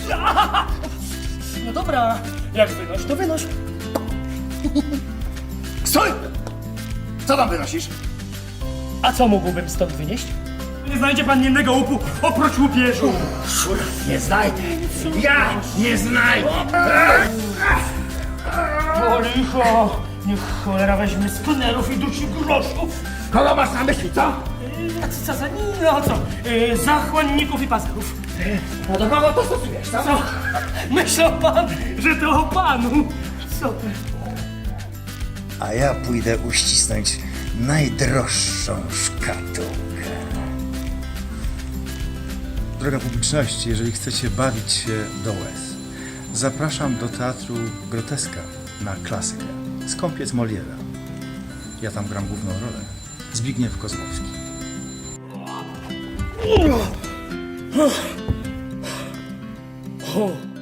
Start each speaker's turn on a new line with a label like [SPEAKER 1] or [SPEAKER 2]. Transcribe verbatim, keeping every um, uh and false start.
[SPEAKER 1] No dobra, jak wynoś, to wynoś.
[SPEAKER 2] Stój! Co tam wynosisz?
[SPEAKER 1] A co mógłbym stąd wynieść? Nie znajdzie pan innego łupu oprócz łupieżu.
[SPEAKER 2] Nie znajdę. Ja nie znajdę.
[SPEAKER 1] O licho, niech cholera weźmie z pnerów i dusi groszów.
[SPEAKER 2] Kogo masz na myśli, co?
[SPEAKER 1] Yy, A co, co, za- no co, yy, zachłanników i pazerów.
[SPEAKER 2] No do kogo to stosujesz, co?
[SPEAKER 1] Co? Myślał pan, że to o panu? Co ty?
[SPEAKER 3] A ja pójdę uścisnąć najdroższą szkatułkę.
[SPEAKER 4] Droga publiczności, jeżeli chcecie bawić się do łez, zapraszam do teatru Groteska na klasykę. Skąpiec Moliera. Ja tam gram główną rolę. Zbigniew Kozłowski.
[SPEAKER 1] O,